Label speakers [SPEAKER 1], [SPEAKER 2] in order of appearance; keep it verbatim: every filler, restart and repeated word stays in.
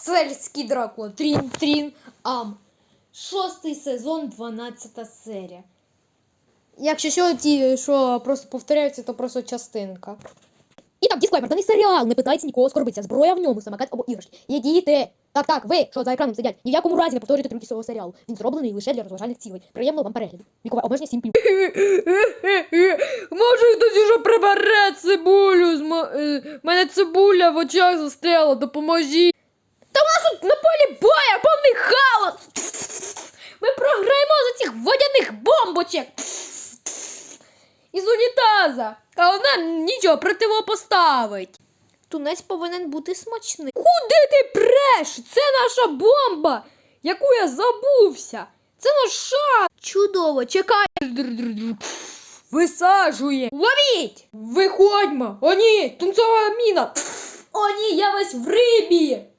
[SPEAKER 1] Сельський Дракула. Трін-трін. Ам. Шостий сезон, дванадцята серія. Якщо що, ті, що просто повторяються, то просто частинка. І так, дисклеймер, даний серіал не питається нікого оскорбитися. Зброя в ньому, самокат або іграшки. Є діти. Так, так, ви, що за екраном сидять, ні в якому разі не повторюйте трюки цього серіалу. Він зроблений лише для розважальних цілей. Приємного вам перегляду. Вікове обмеження сім плюс.
[SPEAKER 2] Може хтось уже прибере цибулю? З мо... е, мене цибуля в очах застряла, допоможіть.
[SPEAKER 1] Та у нас тут на полі боя повний хаос! Ми програємо за цих водяних бомбочок! Із унітаза! А вона нічого противопоставить. Тунець повинен бути смачний. Куди ти преш? Це наша бомба, яку я забувся. Це наш шанс. Чудово, чекай.
[SPEAKER 2] Висаджує.
[SPEAKER 1] Ловіть!
[SPEAKER 2] Виходьмо. О ні, тунцова міна.
[SPEAKER 1] О ні, я весь в рибі.